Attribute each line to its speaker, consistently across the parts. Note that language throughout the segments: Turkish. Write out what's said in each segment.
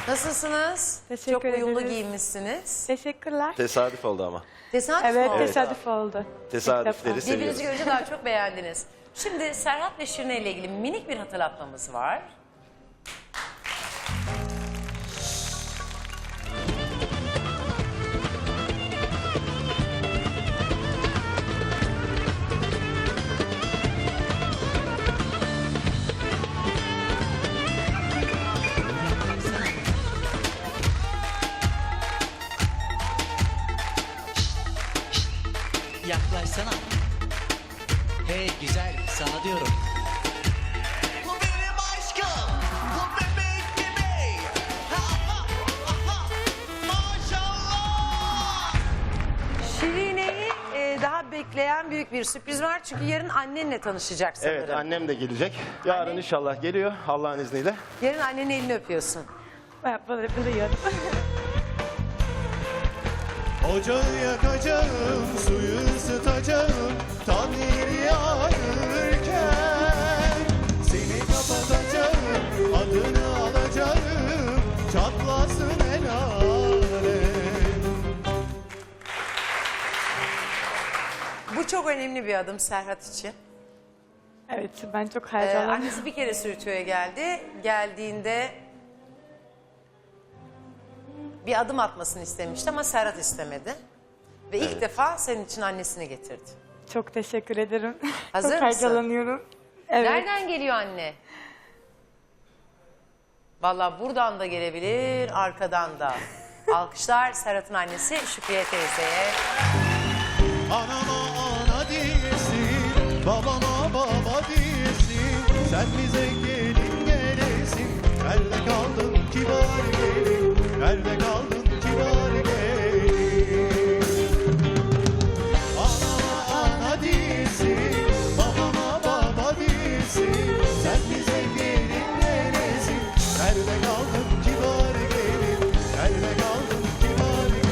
Speaker 1: Nasılsınız?
Speaker 2: Teşekkür
Speaker 1: Çok uyumlu
Speaker 2: ederiz.
Speaker 1: giyinmişsiniz.
Speaker 2: Teşekkürler.
Speaker 3: Tesadüf oldu ama.
Speaker 1: Tesadüf
Speaker 2: Evet,
Speaker 1: mü oldu?
Speaker 2: tesadüf oldu.
Speaker 3: Tesadüfleri
Speaker 2: İlk defa.
Speaker 3: seviyoruz.
Speaker 1: Birbirinizi görünce daha çok beğendiniz. Şimdi Serhat ve Şirine ile ilgili minik bir hatırlatmamız var.
Speaker 4: Yaklaşsana. Hey güzel, sana diyorum. Bu benim aşkım, bu bebek gibi. Maşallah.
Speaker 1: Şirine'yi daha bekleyen büyük bir sürpriz var. Çünkü yarın annenle tanışacak sanırım.
Speaker 3: Evet, annem de gelecek. Yarın inşallah geliyor Allah'ın izniyle.
Speaker 1: Yarın annenin elini öpüyorsun.
Speaker 2: Ben böyle biliyorum.
Speaker 5: Ocağı yakacağım, suyu ısıtacağım, tam yeri yağarken seni kapatacağım, adını alacağım, çatlasın el alem.
Speaker 1: Bu çok önemli bir adım Serhat için.
Speaker 2: Evet, ben çok heyecanlıyım.
Speaker 1: Annesi bir kere Sürütü'ye geldi. Geldiğinde bir adım atmasını istemişti ama Serhat istemedi. Ve ilk defa senin için annesini getirdi.
Speaker 2: Çok teşekkür ederim.
Speaker 1: Hazır
Speaker 2: çok
Speaker 1: mısın?
Speaker 2: heyecanlanıyorum. Evet.
Speaker 1: Nereden geliyor anne? Vallahi buradan da gelebilir, arkadan da. Alkışlar Serhat'ın annesi Şükriye teyzeye.
Speaker 5: Anama ana diyesin, babama baba diyesin, sen bize gelin gelesin. Nerede kaldın kibar gelin, nerede kaldın kibar gelin. Anama ana diyesin, babama baba diyesin, sen bize gelin gelesin. Nerede kaldın kibar gelin, nerede kaldın kibar gelin.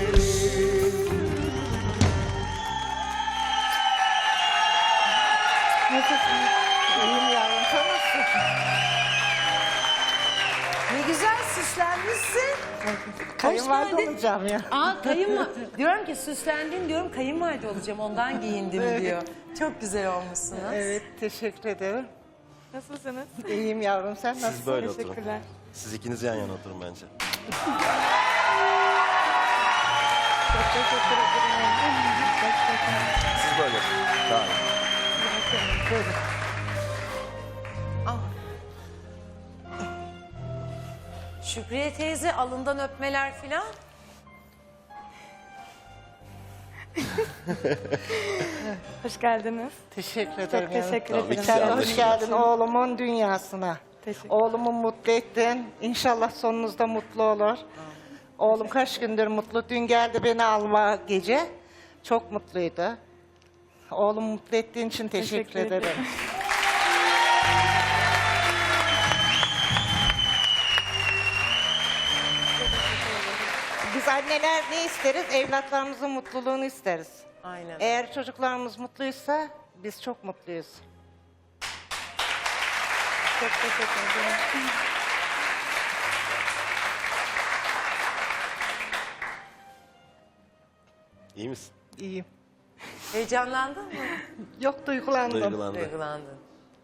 Speaker 2: Nasılsınız?
Speaker 6: İyiyim yavrum, sen nasılsın?
Speaker 1: Ne güzel süslenmişsin.
Speaker 6: Kayınvalide
Speaker 1: geldin.
Speaker 6: olacağım ya.
Speaker 1: Diyorum ki süslendin diyorum kayınvalide olacağım ondan giyindim
Speaker 6: Evet.
Speaker 1: diyor. Çok güzel olmuşsunuz.
Speaker 6: Evet, teşekkür ederim.
Speaker 2: Nasılsınız?
Speaker 6: İyiyim yavrum, sen
Speaker 3: Siz
Speaker 6: nasılsın?
Speaker 3: böyle oturun.
Speaker 2: Teşekkürler.
Speaker 3: Siz ikiniz yan yana oturun bence.
Speaker 2: Çok teşekkür ederim.
Speaker 3: Siz böyle oturun. Daha iyi.
Speaker 1: Al. Şükriye teyze alından öpmeler filan.
Speaker 2: Hoş geldiniz.
Speaker 6: Teşekkür ederim.
Speaker 2: Çok teşekkür
Speaker 3: Tamam,
Speaker 2: ederim.
Speaker 3: ikisi
Speaker 6: Sen de
Speaker 3: anlaşıldı.
Speaker 6: hoş geldin oğlumun dünyasına.
Speaker 2: Teşekkür.
Speaker 6: Oğlumu mutlu ettin. İnşallah sonunuzda mutlu olur. Oğlum kaç gündür mutlu. Dün geldi beni alma gece. Çok mutluydu. Oğlumu mutlu ettiğin için teşekkür
Speaker 2: Teşekkür ederim.
Speaker 6: ederim. Biz anneler ne isteriz? Evlatlarımızın mutluluğunu isteriz.
Speaker 1: Aynen.
Speaker 6: Eğer çocuklarımız mutluysa biz çok mutluyuz.
Speaker 2: Çok teşekkür ederim.
Speaker 3: İyi misin?
Speaker 6: İyiyim.
Speaker 1: Heyecanlandın mı?
Speaker 6: Yok, duygulandım.
Speaker 3: Duygulandı.
Speaker 1: Duygulandın.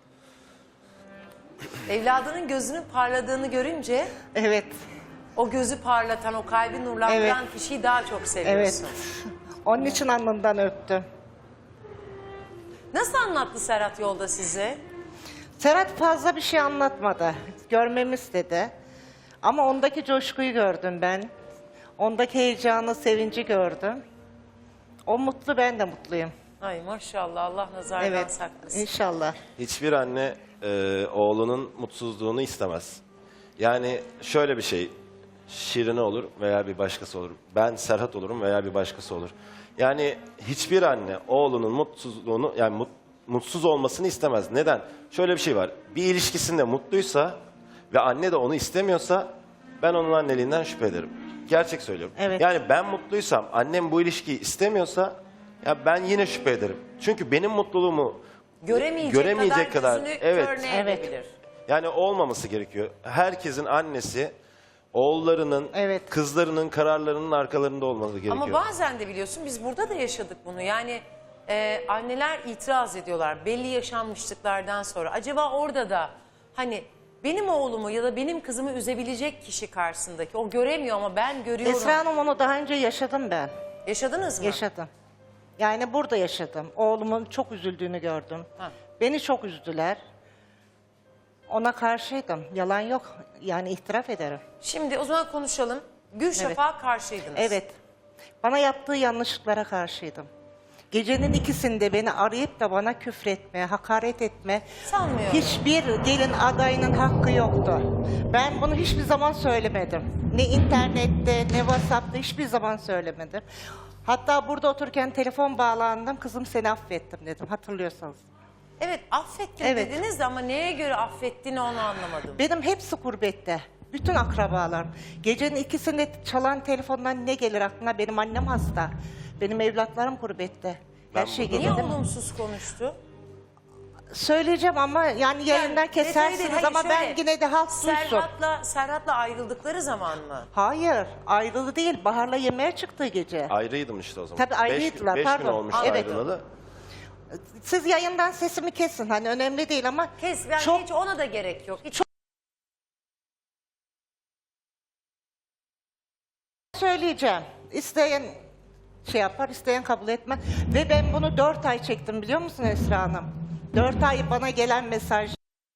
Speaker 1: Evladının gözünün parladığını görünce
Speaker 6: Evet,
Speaker 1: o gözü parlatan, o kalbi nurlandıran kişiyi daha çok seviyorsun.
Speaker 6: evet. Onun için alnından öptüm.
Speaker 1: Nasıl anlattı Serhat yolda size?
Speaker 6: Serhat fazla bir şey anlatmadı. Görmemi istedi. Ama ondaki coşkuyu gördüm ben. Ondaki heyecanı, sevinci gördüm. O mutlu, ben de mutluyum.
Speaker 1: Ay maşallah Allah nazardan
Speaker 6: Evet,
Speaker 1: saklasın.
Speaker 6: inşallah.
Speaker 3: Hiçbir anne oğlunun mutsuzluğunu istemez. Yani şöyle bir şey, Şirine olur veya bir başkası olur. Ben Serhat olurum veya bir başkası olur. Yani hiçbir anne oğlunun mutsuzluğunu, yani mutsuz olmasını istemez. Neden? Şöyle bir şey var, bir ilişkisinde mutluysa ve anne de onu istemiyorsa ben onun anneliğinden şüphe ederim. Gerçek söylüyorum.
Speaker 6: Evet.
Speaker 3: Yani ben mutluysam, annem bu ilişkiyi istemiyorsa ya ben yine şüphe ederim. Çünkü benim mutluluğumu göremeyecek kadar,
Speaker 1: gözünü
Speaker 3: evet.
Speaker 1: körne
Speaker 6: Evet.
Speaker 1: edebilir.
Speaker 3: Yani olmaması gerekiyor. Herkesin annesi oğullarının,
Speaker 6: Evet.
Speaker 3: kızlarının kararlarının arkalarında olması gerekiyor.
Speaker 1: Ama bazen de biliyorsun biz burada da yaşadık bunu. Yani anneler itiraz ediyorlar belli yaşanmışlıklardan sonra. Acaba orada da hani benim oğlumu ya da benim kızımı üzebilecek kişi karşısındaki o göremiyor ama ben görüyorum.
Speaker 6: Esra Hanım, onu daha önce yaşadım ben.
Speaker 1: Yaşadınız mı?
Speaker 6: Yaşadım. Yani burada yaşadım. Oğlumun çok üzüldüğünü gördüm.
Speaker 1: Ha.
Speaker 6: Beni çok üzdüler. Ona karşıydım. Yalan yok. Yani itiraf ederim.
Speaker 1: Şimdi o zaman konuşalım. Gülşafak'a karşıydınız.
Speaker 6: Evet. Bana yaptığı yanlışlıklara karşıydım. Gecenin ikisinde beni arayıp da bana küfretme, hakaret etme.
Speaker 1: Sanmıyorum.
Speaker 6: Hiçbir gelin adayının hakkı yoktu. Ben bunu hiçbir zaman söylemedim. Ne internette, ne WhatsApp'ta hiçbir zaman söylemedim. Hatta burada otururken telefon bağlandım. Kızım, seni affettim dedim, hatırlıyorsanız.
Speaker 1: Evet, affettim
Speaker 6: Evet.
Speaker 1: dediniz de ama neye göre affettiğini onu anlamadım.
Speaker 6: Benim hepsi gurbette. Bütün akrabalarım. Gecenin ikisinde çalan telefondan ne gelir aklına? Benim annem hasta. Benim evlatlarım gurbette. Her şey
Speaker 3: burada
Speaker 1: Niye
Speaker 6: gelir.
Speaker 1: olumsuz konuştu?
Speaker 6: Söyleyeceğim ama yani yayından
Speaker 1: detayı değil,
Speaker 6: kesersiniz
Speaker 1: hayır,
Speaker 6: ama ben
Speaker 1: şöyle,
Speaker 6: yine de halk duysun.
Speaker 1: Serhat'la ayrıldıkları zaman mı?
Speaker 6: Hayır, ayrılı değil. Bahar'la yemeğe çıktığı gece.
Speaker 3: Ayrıydım işte o zaman.
Speaker 6: Tabii ayrıydılar,
Speaker 3: 5 gün
Speaker 6: pardon.
Speaker 3: olmuş
Speaker 6: Evet.
Speaker 3: ayrılalı.
Speaker 6: Siz yayından sesimi kesin. Hani önemli değil ama
Speaker 1: Kes, yani
Speaker 6: çok
Speaker 1: hiç ona da gerek yok. Hiç
Speaker 6: söyleyeceğim. İsteyen şey yapar, isteyen kabul etmez. Ve ben bunu 4 ay çektim, biliyor musun Esra Hanım? 4 ay bana gelen mesaj.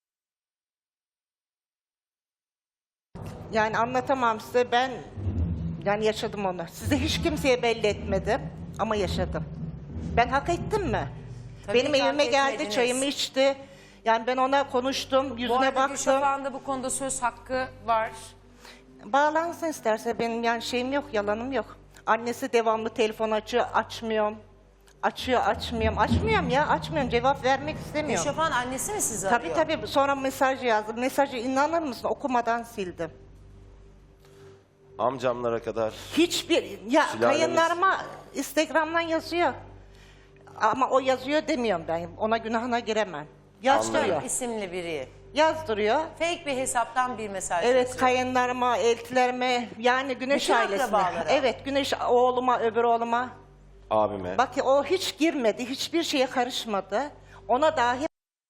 Speaker 6: Yani anlatamam size, ben yani yaşadım onu. Size hiç kimseye belli etmedim ama yaşadım. Ben hak ettim mi?
Speaker 1: Tabii
Speaker 6: Benim
Speaker 1: ki hak
Speaker 6: evime geldi,
Speaker 1: etmediniz.
Speaker 6: çayımı içti. Yani ben ona konuştum,
Speaker 1: bu
Speaker 6: yüzüne
Speaker 1: arada
Speaker 6: baktım.
Speaker 1: Gülşafak'ın da bu konuda söz hakkı var.
Speaker 6: Bağlansın isterse, benim yani şeyim yok, yalanım yok. Annesi devamlı telefon açıyor, açmıyorum. Açıyor, açmıyorum. Açmıyorum ya, açmıyorum. Cevap vermek istemiyorum.
Speaker 1: Gülşafak'ın annesi mi sizi
Speaker 6: Tabii
Speaker 1: arıyor?
Speaker 6: tabii. Sonra mesaj yazdım. Mesajı inanır mısın? Okumadan sildim.
Speaker 3: Amcamlara kadar.
Speaker 6: Hiçbir... Ya
Speaker 3: Sülalemiz-
Speaker 6: kayınlarıma Instagram'dan yazıyor. Ama o yazıyor demiyorum ben. Ona günahına giremem. Yazdırıyor.
Speaker 1: İsimli biri.
Speaker 6: Yazdırıyor.
Speaker 1: Fake bir hesaptan bir mesaj
Speaker 6: Evet,
Speaker 1: yazıyor.
Speaker 6: kayınlarıma, eltilerime, yani Güneş
Speaker 1: Bütün
Speaker 6: ailesine.
Speaker 1: akrabalara.
Speaker 6: Evet, Güneş oğluma, öbür oğluma.
Speaker 3: Abime.
Speaker 6: Bak o hiç girmedi, hiçbir şeye karışmadı. Ona dahi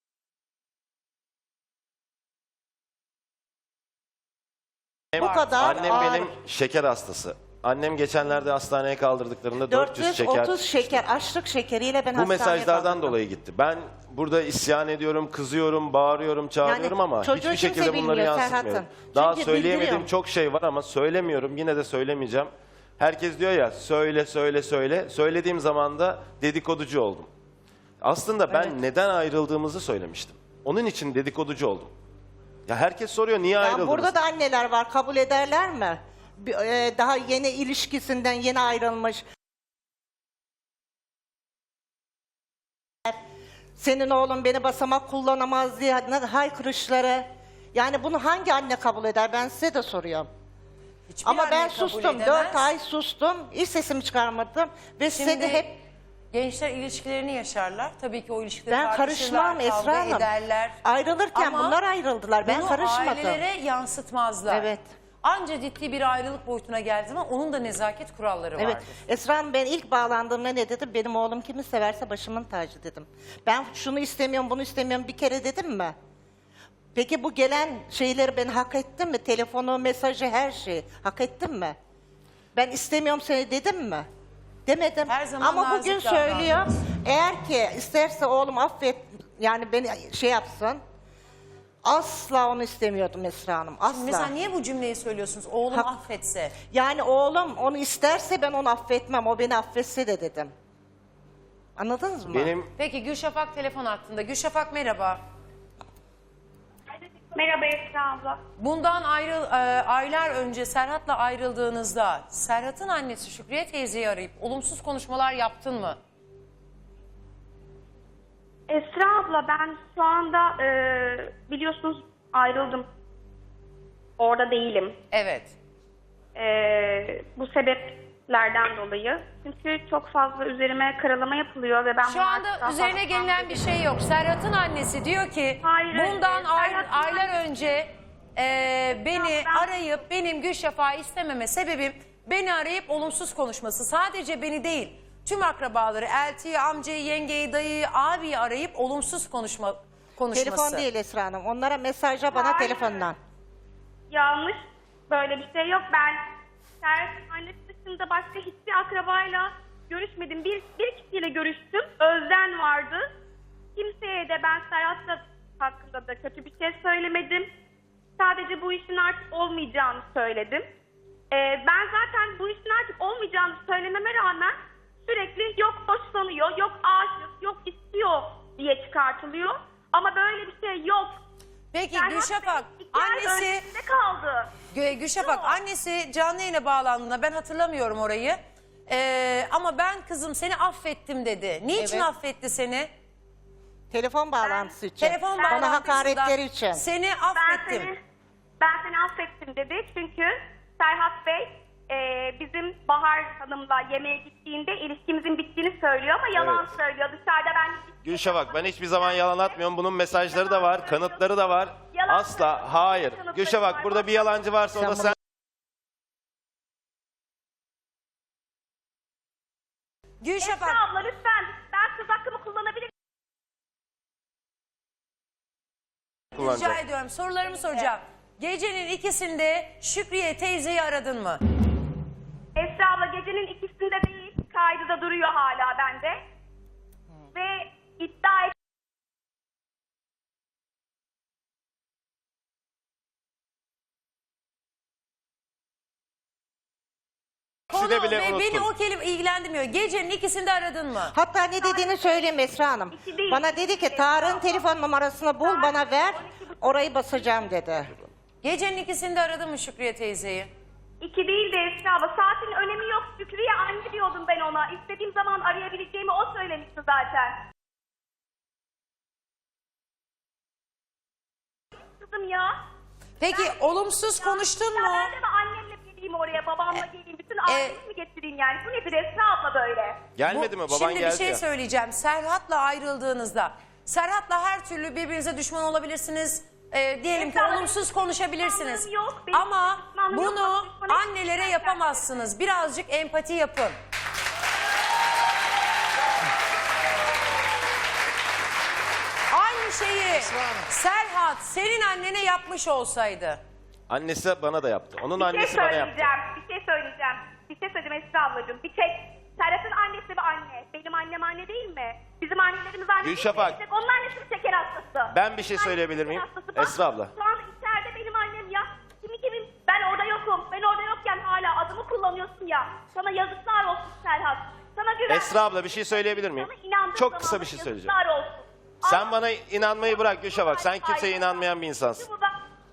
Speaker 6: bu kadar
Speaker 3: Annem
Speaker 6: ağır.
Speaker 3: benim şeker hastası. Annem geçenlerde hastaneye kaldırdıklarında 400 şeker.
Speaker 6: 430 şeker, açlık şekeriyle ben
Speaker 3: Bu
Speaker 6: hastaneye
Speaker 3: mesajlardan
Speaker 6: kaldırdım.
Speaker 3: dolayı gitti. Ben burada isyan ediyorum, kızıyorum, bağırıyorum, çağırıyorum ama
Speaker 6: çocuğu
Speaker 3: hiçbir
Speaker 6: kimse
Speaker 3: şekilde bunları
Speaker 6: bilmiyor
Speaker 3: yansıtmıyorum.
Speaker 6: Serhat'ım.
Speaker 3: Daha
Speaker 6: Çünkü
Speaker 3: söyleyemediğim
Speaker 6: bildiriyorum.
Speaker 3: çok şey var ama söylemiyorum. Yine de söylemeyeceğim. Herkes diyor ya söyle söyle söyle. Söylediğim zaman da dedikoducu oldum. Aslında ben neden ayrıldığımızı söylemiştim. Onun için dedikoducu oldum. Ya herkes soruyor niye
Speaker 6: Ya
Speaker 3: ayrıldınız?
Speaker 6: burada da anneler var, kabul ederler mi? Daha yeni ilişkisinden yeni ayrılmış. Senin oğlun beni basamak kullanamaz diye haykırışları. Yani bunu hangi anne kabul eder? Ben size de soruyorum.
Speaker 1: Hiçbir
Speaker 6: Ama
Speaker 1: anne
Speaker 6: ben
Speaker 1: kabul
Speaker 6: sustum.
Speaker 1: edemez.
Speaker 6: 4 ay sustum. Hiç sesimi çıkarmadım. Ve size
Speaker 1: Şimdi
Speaker 6: de hep
Speaker 1: gençler ilişkilerini yaşarlar. Tabii ki o ilişkileri
Speaker 6: ben
Speaker 1: tartışırlar,
Speaker 6: karışmam
Speaker 1: kavga
Speaker 6: Esra Hanım.
Speaker 1: ederler.
Speaker 6: Ayrılırken
Speaker 1: Ama
Speaker 6: bunlar ayrıldılar. Ben
Speaker 1: bunu
Speaker 6: karışmadım.
Speaker 1: ailelere yansıtmazlar.
Speaker 6: Evet.
Speaker 1: Anca ciddi bir ayrılık boyutuna geldiği zaman onun da nezaket kuralları
Speaker 6: Evet.
Speaker 1: vardır.
Speaker 6: Esra Hanım, ben ilk bağlandığımda ne dedim? Benim oğlum kimi severse başımın tacı dedim. Ben şunu istemiyorum, bunu istemiyorum bir kere dedim mi? Peki bu gelen şeyleri ben hak ettim mi? Telefonu, mesajı, her şeyi hak ettim mi? Ben istemiyorum seni dedim mi? Demedim.
Speaker 1: Her zaman
Speaker 6: Ama
Speaker 1: nazik
Speaker 6: bugün
Speaker 1: davrandınız.
Speaker 6: söylüyor. Eğer ki isterse oğlum affet, yani beni şey yapsın. Asla onu istemiyordum Esra Hanım. Asla.
Speaker 1: Mesela niye bu cümleyi söylüyorsunuz? Oğlum
Speaker 6: Hak-
Speaker 1: affetse.
Speaker 6: Yani oğlum onu isterse ben onu affetmem. O beni affetse de dedim. Anladınız mı?
Speaker 3: Benim
Speaker 1: Peki Gülşafak telefon hattında. Gülşafak merhaba.
Speaker 7: Merhaba Esra abla.
Speaker 1: Bundan aylar önce Serhat'la ayrıldığınızda Serhat'ın annesi Şükriye teyzeyi arayıp olumsuz konuşmalar yaptın mı?
Speaker 7: Esra abla, ben şu anda biliyorsunuz ayrıldım. Orada değilim.
Speaker 1: Evet.
Speaker 7: Bu sebeplerden dolayı. Çünkü çok fazla üzerime karalama yapılıyor ve ben
Speaker 1: Şu
Speaker 7: bunu
Speaker 1: anda
Speaker 7: artık daha
Speaker 1: üzerine
Speaker 7: fazla
Speaker 1: gelinen bir şey yok. Serhat'ın annesi diyor ki
Speaker 7: Hayır,
Speaker 1: bundan
Speaker 7: Serhat'ın
Speaker 1: aylar önce beni arayıp benim Gülşafak'ı istememe sebebim beni arayıp olumsuz konuşması. Sadece beni değil, tüm akrabaları, eltiyi, amcayı, yengeyi, dayıyı, abiyi arayıp olumsuz konuşması.
Speaker 6: Telefon değil Esra Hanım. Onlara mesajla bana
Speaker 7: Hayır.
Speaker 6: telefondan.
Speaker 7: Yanlış. Böyle bir şey yok. Ben Serhat'ın annesi dışında başka hiçbir akrabayla görüşmedim. Bir kişiyle görüştüm. Özden vardı. Kimseye de ben Serhat hakkında da kötü bir şey söylemedim. Sadece bu işin artık olmayacağını söyledim. Ben zaten bu işin artık olmayacağını söylememe rağmen sürekli yok hoşlanıyor, yok aşık, yok istiyor diye çıkartılıyor. Ama böyle bir şey yok.
Speaker 1: Peki
Speaker 7: Serhat
Speaker 1: Gülşafak,
Speaker 7: Bey 2 ay
Speaker 1: annesi...
Speaker 7: öncesinde kaldı.
Speaker 1: Gülşafak, annesi canlı yayına bağlandığında ben hatırlamıyorum orayı. Ama ben kızım seni affettim dedi. Niçin
Speaker 6: Evet.
Speaker 1: affetti seni?
Speaker 6: Telefon bağlantısı için.
Speaker 1: Telefon
Speaker 6: Bana
Speaker 1: bağlantısında
Speaker 6: hakaretleri için.
Speaker 1: Seni affettim.
Speaker 7: Ben seni affettim dedi. Çünkü Serhat Bey bizim Bahar Hanım'la yemeğe gittiğinde ilişkimizin bittiğini söylüyor ama yalan
Speaker 3: Evet.
Speaker 7: söylüyor. Dışarıda ben...
Speaker 3: Gülşafak, ben hiçbir zaman yalan atmıyorum. Bunun mesajları da var, kanıtları da var.
Speaker 7: Yalan
Speaker 3: Asla,
Speaker 7: söylüyorsun.
Speaker 3: hayır.
Speaker 7: Kanıtları
Speaker 3: Gülşafak,
Speaker 7: var.
Speaker 3: burada bir yalancı varsa o da
Speaker 6: Sen
Speaker 3: sen.
Speaker 1: Gülşafak,
Speaker 7: Esra abla lütfen ben söz hakkımı kullanabilir
Speaker 1: rica
Speaker 3: kullanacağım.
Speaker 1: ediyorum, sorularımı soracağım. Gecenin ikisinde Şükriye teyzeyi aradın mı?
Speaker 7: Esra abla gecenin ikisinde değil, kaydı da duruyor hala bende. Ve iddia et...
Speaker 1: Konu
Speaker 3: de bile
Speaker 1: ve beni
Speaker 3: unuttum.
Speaker 1: o kelime ilgilendirmiyor. Gecenin ikisinde aradın mı?
Speaker 6: Hatta ne dediğini söyleyeyim Esra Hanım.
Speaker 7: İki değil.
Speaker 6: Bana dedi ki Tarık'ın telefon numarasını bul bana ver. Orayı basacağım dedi.
Speaker 1: Gecenin ikisinde aradın mı Şükriye teyzeyi?
Speaker 7: 2 değil de Esra abla. Saatin önemi yok. Şükriye anne diyordum ben ona. İstediğim zaman arayabileceğimi o söylemişti zaten. Kızım ya.
Speaker 1: Peki olumsuz konuştun
Speaker 7: Ya
Speaker 1: mu?
Speaker 7: ben de mi annemle geleyim oraya, babamla geleyim, bütün ailemi mi getireyim yani? Bu nedir Esra abla böyle?
Speaker 3: Gelmedi mi? Baban
Speaker 1: Şimdi
Speaker 3: geldi
Speaker 1: bir şey
Speaker 3: ya.
Speaker 1: söyleyeceğim. Serhat'la ayrıldığınızda, Serhat'la her türlü birbirinize düşman olabilirsiniz. Diyelim ki
Speaker 7: Esra,
Speaker 1: olumsuz
Speaker 7: benim
Speaker 1: konuşabilirsiniz.
Speaker 7: düşmanlığım yok, benim
Speaker 1: Ama
Speaker 7: düşmanlığım yok.
Speaker 1: bunu
Speaker 7: Bak, düşmanım
Speaker 1: annelere
Speaker 7: yok.
Speaker 1: yapamazsınız. Birazcık empati yapın. Aynı şeyi Serhat senin annene yapmış olsaydı.
Speaker 3: Annesi bana da yaptı. Onun
Speaker 7: Bir şey
Speaker 3: annesi bana yaptı.
Speaker 7: Bir şey söyleyeceğim Esra ablacığım. Bir tek Serhat'ın annesi bir anne. Benim annem anne değil mi? Bizim annelerimiz anne
Speaker 3: Gülşafak.
Speaker 7: değil mi? Onun annesi bir şeker hastası.
Speaker 3: Ben bir şey
Speaker 7: Annesi
Speaker 3: söyleyebilir miyim?
Speaker 7: şeker hastası. Bak,
Speaker 3: Esra abla.
Speaker 7: Şu an içeride benim annem ya. Kimin ben orada yokum. Ben orada yokken hala adımı kullanıyorsun ya. Sana yazıklar olsun Serhat. Sana güven.
Speaker 3: Esra abla bir şey söyleyebilir miyim?
Speaker 7: Sana inandığım
Speaker 3: Çok
Speaker 7: zaman
Speaker 3: kısa bir şey söyleyeceğim.
Speaker 7: Yazıklar olsun.
Speaker 3: Sen
Speaker 7: Al-
Speaker 3: bana inanmayı bırak Gülşafak. Sen kimseye inanmayan bir insansın.
Speaker 7: Burada-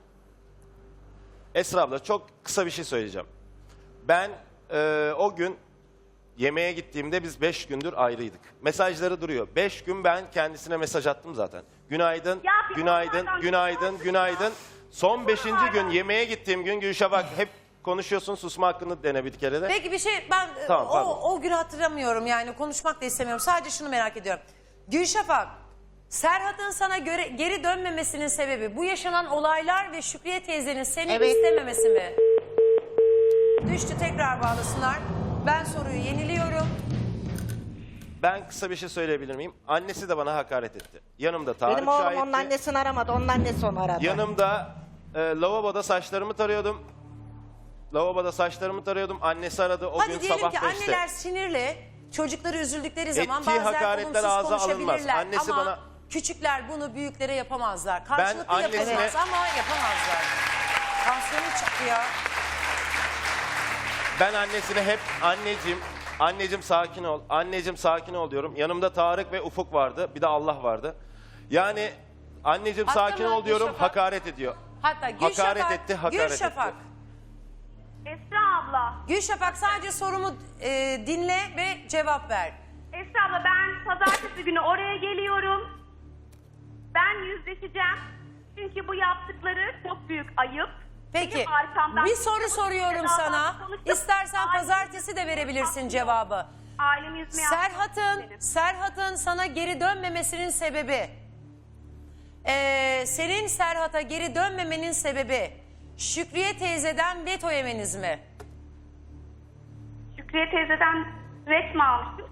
Speaker 3: Esra abla çok kısa bir şey söyleyeceğim. Ben o gün yemeğe gittiğimde biz 5 gündür ayrıydık. Mesajları duruyor. 5 gün ben kendisine mesaj attım zaten. Günaydın,
Speaker 7: Ya bir
Speaker 3: günaydın,
Speaker 7: onlardan
Speaker 3: günaydın,
Speaker 7: bir
Speaker 3: günaydın. Son 5.
Speaker 7: onlardan.
Speaker 3: gün yemeğe gittiğim gün Gülşafak hep konuşuyorsun, susma hakkını dene bir kere de.
Speaker 1: Peki bir şey ben
Speaker 3: Tamam, pardon.
Speaker 1: o gün hatırlamıyorum yani konuşmak da istemiyorum. Sadece şunu merak ediyorum. Gülşafak, Serhat'ın sana geri dönmemesinin sebebi bu yaşanan olaylar ve Şükriye teyzenin seni
Speaker 6: Evet.
Speaker 1: istememesi mi? Düştü, tekrar bağlasınlar. Ben soruyu yeniliyorum.
Speaker 3: Ben kısa bir şey söyleyebilir miyim? Annesi de bana hakaret etti. Yanımda Tarık
Speaker 6: Benim oğlum
Speaker 3: şahitti.
Speaker 6: onun annesini aramadı. Onun annesi onu aradı.
Speaker 3: Yanımda lavaboda saçlarımı tarıyordum. Lavaboda saçlarımı tarıyordum. Annesi aradı o gün
Speaker 1: Hadi diyelim
Speaker 3: sabah
Speaker 1: ki
Speaker 3: 5'te.
Speaker 1: anneler sinirli, çocukları üzüldükleri zaman
Speaker 3: Ettiği
Speaker 1: bazen
Speaker 3: hakaretler
Speaker 1: olumsuz
Speaker 3: ağza alınmaz.
Speaker 1: konuşabilirler.
Speaker 3: Annesi
Speaker 1: ama
Speaker 3: bana-
Speaker 1: küçükler bunu büyüklere yapamazlar. Karşılıklı
Speaker 3: annesine-
Speaker 1: yapamaz ama yapamazlar. Tansiyonu çıktı ya.
Speaker 3: Ben annesine hep anneciğim sakin ol, anneciğim sakin ol diyorum. Yanımda Tarık ve Ufuk vardı, bir de Allah vardı. Yani anneciğim
Speaker 1: Hatta
Speaker 3: sakin
Speaker 1: ben
Speaker 3: ol diyorum,
Speaker 1: Gülşafak-
Speaker 3: hakaret ediyor.
Speaker 1: Hatta Gülşafak,
Speaker 3: Hakaret etti, hakaret
Speaker 1: Gülşafak,
Speaker 3: etti.
Speaker 7: Esra abla.
Speaker 1: Gülşafak sadece sorumu dinle ve cevap ver.
Speaker 7: Esra abla ben pazartesi günü oraya geliyorum. Ben yüzleşeceğim. Çünkü bu yaptıkları çok büyük ayıp.
Speaker 1: Peki
Speaker 7: Benim arkamdan
Speaker 1: bir soru
Speaker 7: kimse bu
Speaker 1: soruyorum
Speaker 7: şekilde
Speaker 1: sana.
Speaker 7: davranıp konuşup
Speaker 1: İstersen
Speaker 7: ailemi
Speaker 1: pazartesi de verebilirsin cevabı.
Speaker 7: Ailemi üzmeye hakkım yok benim.
Speaker 1: Serhat'ın sana geri dönmemesinin sebebi Senin Serhat'a geri dönmemenin sebebi Şükriye teyzeden veto yemeniz mi?
Speaker 7: Şükriye teyzeden ret mi almıştım?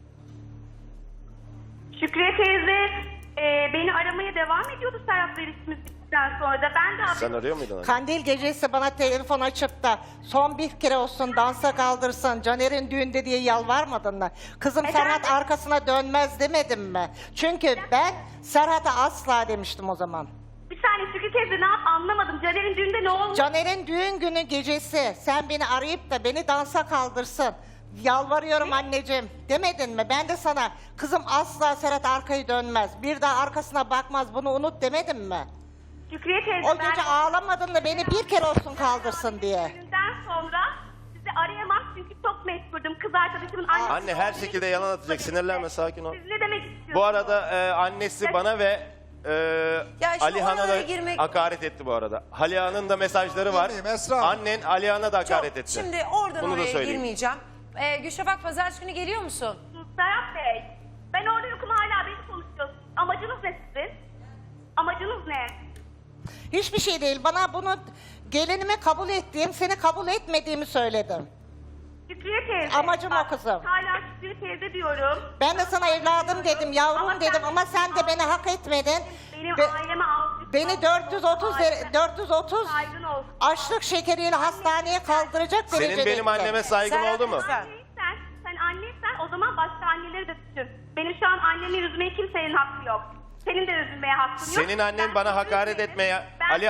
Speaker 7: Şükriye teyze beni aramaya devam ediyordu Serhat'la ilişkimiz bittikten sonra da. Ben de
Speaker 3: Sen arıyor muydun?
Speaker 6: Kandil gecesi bana telefon açıp da son bir kere olsun dansa kaldırsın Caner'in düğünde diye yalvarmadın mı? Kızım
Speaker 7: Efendim?
Speaker 6: Serhat arkasına dönmez demedim mi? Çünkü ben Serhat'a asla demiştim o zaman.
Speaker 7: Bir saniye Şükriye teyze ne yap anlamadım. Caner'in düğünde ne olmuş?
Speaker 6: Caner'in düğün günü gecesi sen beni arayıp da beni dansa kaldırsın. Yalvarıyorum anneciğim demedin mi? Ben de sana kızım asla Serhat arkayı dönmez. Bir daha arkasına bakmaz bunu unut demedim mi?
Speaker 7: Şükriye teyze
Speaker 6: O gece ağlamadın da beni bir kere olsun kaldırsın diye.
Speaker 7: Düğünden sonra sizi arayamam çünkü çok meşgurdum. Kız arkadaşımın annesi.
Speaker 3: Anne her şekilde yalan atacak. Sinirlenme, sakin ol.
Speaker 7: Siz ne demek istiyorsunuz?
Speaker 3: Bu arada annesi bana ve
Speaker 1: Ya şimdi
Speaker 3: Alihan'a da
Speaker 1: oralara girmek-
Speaker 3: hakaret etti bu arada. Alihan'ın da mesajları var.
Speaker 8: Dinleyeyim Esra Hanım.
Speaker 3: Annen Alihan'a da hakaret
Speaker 1: Çok-
Speaker 3: etti.
Speaker 1: Şimdi oradan
Speaker 3: Bunu da
Speaker 1: oraya
Speaker 3: söyleyeyim.
Speaker 1: girmeyeceğim. Gülşafak pazartesi günü geliyor musun?
Speaker 7: Serhat Bey, ben orada yokum hala beni konuşuyorsunuz. Amacınız ne sizin? Amacınız ne?
Speaker 6: Hiçbir şey değil. Bana bunu gelinime kabul ettiğim, seni kabul etmediğimi söyledim.
Speaker 7: Şükriye teyze.
Speaker 6: Amacım o kızım.
Speaker 7: Hala Şükriye teyze diyorum.
Speaker 6: Ben de sana evladım dedim, yavrum
Speaker 7: Ama
Speaker 6: dedim
Speaker 7: sen-
Speaker 6: ama sen de beni hak etmedin.
Speaker 7: Benim
Speaker 6: Be-
Speaker 7: aileme aldık.
Speaker 6: Beni 430
Speaker 7: Saygın olsun.
Speaker 6: açlık şekeriyle hastaneye kaldıracak derecede.
Speaker 3: Senin benim anneme saygın
Speaker 1: Serhat
Speaker 3: oldu mu?
Speaker 1: lütfen.
Speaker 7: Sen anneysen o zaman başka anneleri de düşün. Benim şu an annemi üzmeye kimsenin hakkı yok. Senin de üzülmeye hakkın yok.
Speaker 3: Senin annen
Speaker 7: Ben
Speaker 3: bana
Speaker 7: özür
Speaker 3: hakaret
Speaker 7: dilerim.
Speaker 3: etmeye...
Speaker 7: Ben-
Speaker 3: Ali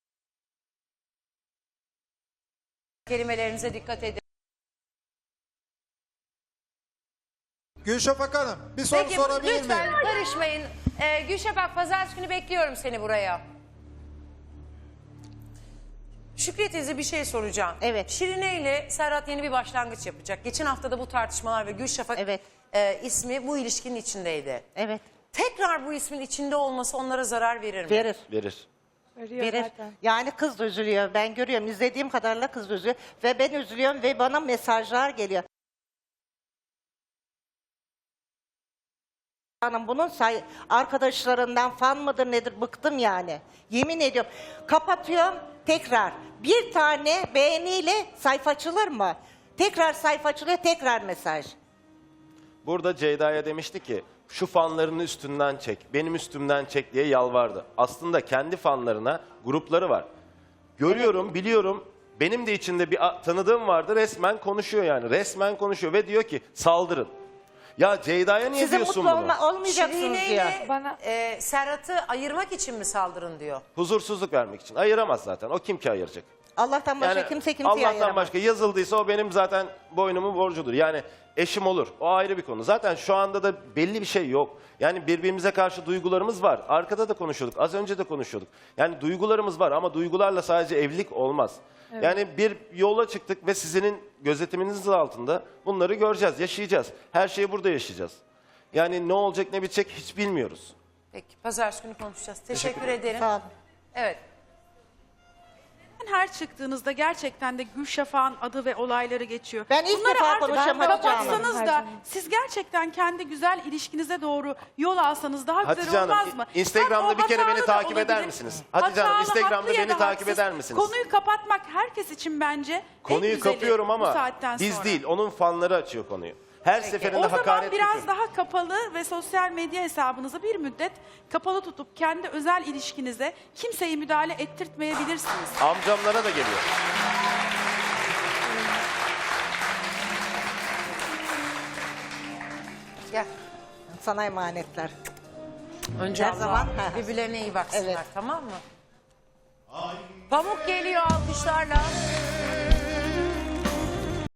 Speaker 1: Kelimelerinize dikkat edin.
Speaker 8: Gülşafak Hanım bir soru
Speaker 1: Peki
Speaker 8: sorabilir
Speaker 1: lütfen
Speaker 8: miyim?
Speaker 1: karışmayın. Gülşafak pazartesi günü bekliyorum seni buraya. Şükriye teyze bir şey soracağım.
Speaker 6: Evet.
Speaker 1: Şirine ile Serhat yeni bir başlangıç yapacak. Geçen hafta da bu tartışmalar ve Gülşafak
Speaker 6: Evet.
Speaker 1: ismi bu ilişkinin içindeydi.
Speaker 6: Evet,
Speaker 1: Tekrar bu ismin içinde olması onlara zarar verir mi?
Speaker 6: verir.
Speaker 3: verir.
Speaker 2: Veriyor
Speaker 6: Verir.
Speaker 2: zaten.
Speaker 6: Yani kız da üzülüyor. Ben görüyorum. İzlediğim kadarıyla kız da üzülüyor. Ve ben üzülüyorum ve bana mesajlar geliyor. Hanım bunun arkadaşlarından fan mıdır nedir bıktım yani. Yemin ediyorum. Kapatıyorum tekrar. Bir tane beğeniyle sayfa açılır mı? Tekrar sayfa açılıyor tekrar mesaj.
Speaker 3: Burada Ceyda'ya demişti ki şu fanlarını üstünden çek, benim üstümden çek diye yalvardı. Aslında kendi fanlarına grupları var. Görüyorum, biliyorum. Benim de içinde bir tanıdığım vardı. Resmen konuşuyor yani. Resmen konuşuyor ve diyor ki saldırın. Ya Ceyda'ya niye
Speaker 6: Size
Speaker 3: diyorsun
Speaker 6: mutlu
Speaker 3: bunu?
Speaker 6: olmayacaksınız
Speaker 1: Şirine
Speaker 6: diyor.
Speaker 1: ile
Speaker 2: Bana-
Speaker 1: Serhat'ı ayırmak için mi saldırın diyor.
Speaker 3: Huzursuzluk vermek için. Ayıramaz zaten. O kim ki ayıracak?
Speaker 6: Allah'tan başka
Speaker 3: Yani
Speaker 6: kimse kimseyi
Speaker 3: Allah'tan
Speaker 6: ayıramaz.
Speaker 3: başka yazıldıysa o benim zaten boynumun borcudur. Yani eşim olur. O ayrı bir konu. Zaten şu anda da belli bir şey yok. Yani birbirimize karşı duygularımız var. Arkada da konuşuyorduk. Az önce de konuşuyorduk. Yani duygularımız var ama duygularla sadece evlilik olmaz. Yani bir yola çıktık ve sizin gözetiminizin altında bunları göreceğiz, yaşayacağız. Her şeyi burada yaşayacağız. Yani ne olacak ne bitecek hiç bilmiyoruz.
Speaker 1: Peki pazartesi günü konuşacağız. Teşekkür ederim.
Speaker 6: Sağ olun.
Speaker 1: Evet.
Speaker 9: Her çıktığınızda gerçekten de Gülşafak'ın adı ve olayları geçiyor.
Speaker 6: Ben ilk
Speaker 9: Bunları
Speaker 6: defa
Speaker 9: artık
Speaker 6: konuşacağım Hatice Hanım.
Speaker 9: kapatsanız
Speaker 2: Her
Speaker 9: da
Speaker 2: zaman.
Speaker 9: siz gerçekten kendi güzel ilişkinize doğru yol alsanız daha
Speaker 3: Hatice
Speaker 9: güzel olmaz
Speaker 3: Hanım,
Speaker 9: mı?
Speaker 3: Instagram'da
Speaker 9: Hem o
Speaker 3: bir kere beni
Speaker 9: hatalı da
Speaker 3: takip eder
Speaker 9: olabilir.
Speaker 3: misiniz? Hatice Hanım,
Speaker 9: Hatalı,
Speaker 3: Instagram'da
Speaker 9: haklı ya
Speaker 3: beni
Speaker 9: da
Speaker 3: takip
Speaker 9: haksız.
Speaker 3: eder misiniz?
Speaker 9: Konuyu kapatmak herkes için bence en
Speaker 3: Konuyu
Speaker 9: güzeli
Speaker 3: kapıyorum
Speaker 9: bu
Speaker 3: ama
Speaker 9: saatten
Speaker 3: biz
Speaker 9: sonra.
Speaker 3: değil, onun fanları açıyor konuyu. Her seferinde
Speaker 9: O zaman
Speaker 3: hakaret
Speaker 9: biraz
Speaker 3: yapıyor.
Speaker 9: daha kapalı ve sosyal medya hesabınızı bir müddet kapalı tutup kendi özel ilişkinize kimseyi müdahale ettirtmeyebilirsiniz.
Speaker 3: Amcamlara da geliyor.
Speaker 1: Gel.
Speaker 6: Sana emanetler.
Speaker 1: Önce
Speaker 6: Her
Speaker 1: Allah
Speaker 6: zaman.
Speaker 1: birbirlerine iyi baksınlar
Speaker 6: Evet.
Speaker 1: tamam mı? Pamuk geliyor alkışlarla.